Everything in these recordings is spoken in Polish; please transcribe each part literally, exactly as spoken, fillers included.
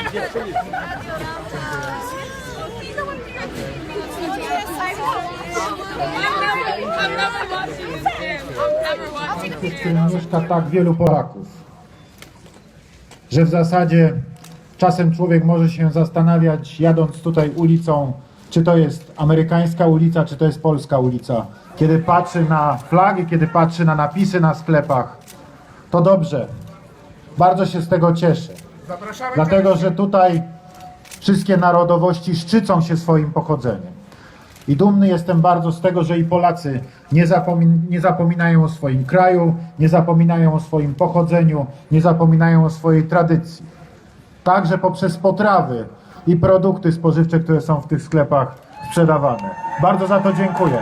W którym mieszka tak wielu Polaków, że w zasadzie czasem człowiek może się zastanawiać, jadąc tutaj ulicą, czy to jest amerykańska ulica, czy to jest polska ulica. Kiedy patrzy na flagi, kiedy patrzy na napisy na sklepach, to dobrze. Bardzo się z tego cieszę. Dlatego, że tutaj wszystkie narodowości szczycą się swoim pochodzeniem. I dumny jestem bardzo z tego, że i Polacy nie, zapomin nie zapominają o swoim kraju, nie zapominają o swoim pochodzeniu, nie zapominają o swojej tradycji. Także poprzez potrawy i produkty spożywcze, które są w tych sklepach sprzedawane. Bardzo za to dziękuję.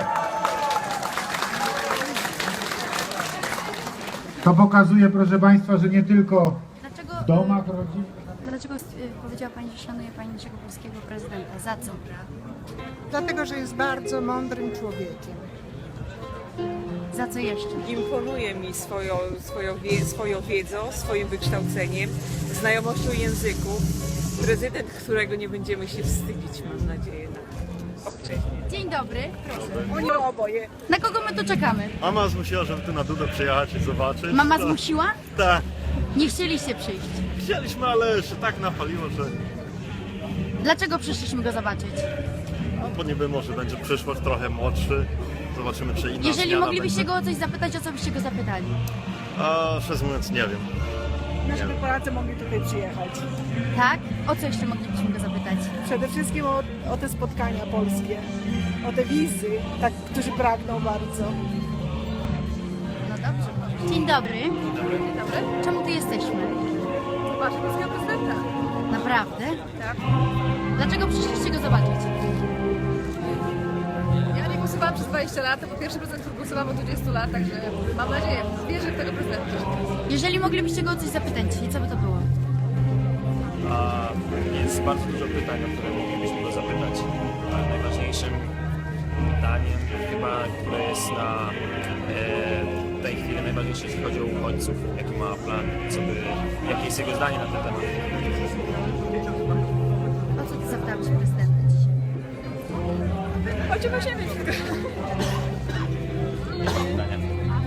To pokazuje, proszę Państwa, że nie tylko Dlaczego, w domach rodzin. dlaczego y, powiedziała Pani, że szanuje Pani naszego polskiego prezydenta? Za co? Dlatego, że jest bardzo mądrym człowiekiem. Za co jeszcze? Imponuje mi swoją, swoją, wie, swoją wiedzą, swoim wykształceniem, znajomością języków. Prezydent, którego nie będziemy się wstydzić, mam nadzieję. Dzień dobry, proszę. Oni oboje. Na kogo my tu czekamy? Mama zmusiła, żeby tu na Dudę przyjechać i zobaczyć. Mama To- zmusiła? Tak. Nie chcieliście przyjść. Chcieliśmy, ale się tak napaliło, że Dlaczego przyszliśmy go zobaczyć? no, bo niby może będzie przyszłość trochę młodszy. Zobaczymy, czy inna Jeżeli zmiana moglibyście będzie. go o coś zapytać, o co byście go zapytali? A szczerze mówiąc, nie wiem. Żeby Polacy mogli tutaj przyjechać. Tak? O co jeszcze moglibyśmy go zapytać? Przede wszystkim o, o te spotkania polskie, o te wizy, tak, którzy pragną bardzo. No dobrze. Dzień dobry. Dzień dobry. Czemu tu jesteśmy? Zobaczmy polskiego prezydenta. Naprawdę? Tak. Dlaczego przyszliście go zobaczyć? Ja nie głosowałam przez dwadzieścia lat, to był pierwszy prezydent, który głosowałam od dwudziestu lat, także mam nadzieję, wierzę w tego prezydenta. Jeżeli moglibyście go o coś zapytać, i co by to było? A jest bardzo dużo pytań, o które moglibyśmy go zapytać. A najważniejszym pytaniem chyba, które jest na e, tej chwili najważniejsze, jeśli chodzi o uchodźców, jaki ma plan, co by, jakie jest jego zdanie na ten temat. O co ty zapytałeś prezydenta dzisiaj? Chodźmy o ziemię. Pytania.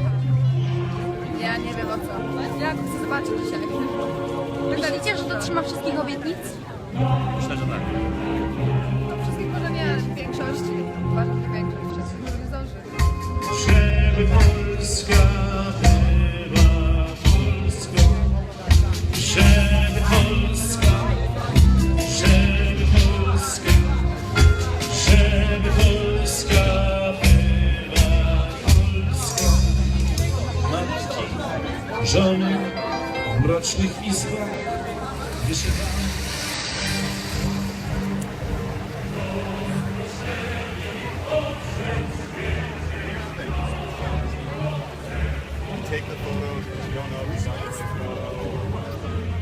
Ja nie wiem o co. Ja go chcę zobaczyć dzisiaj. Myślicie, że dotrzyma wszystkich obietnic? Myślę, że tak. No, wszystkich może nie, ale w większości. Uważam, że większość wszystkich może nie zdąży. Żeby Polska była Polską, żeby Polska, żeby Polska, żeby Polska była Polską. Matki, żony w mrocznych izbach wyszywane. Take the photos, you don't know who signed it.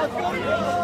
Odwrót.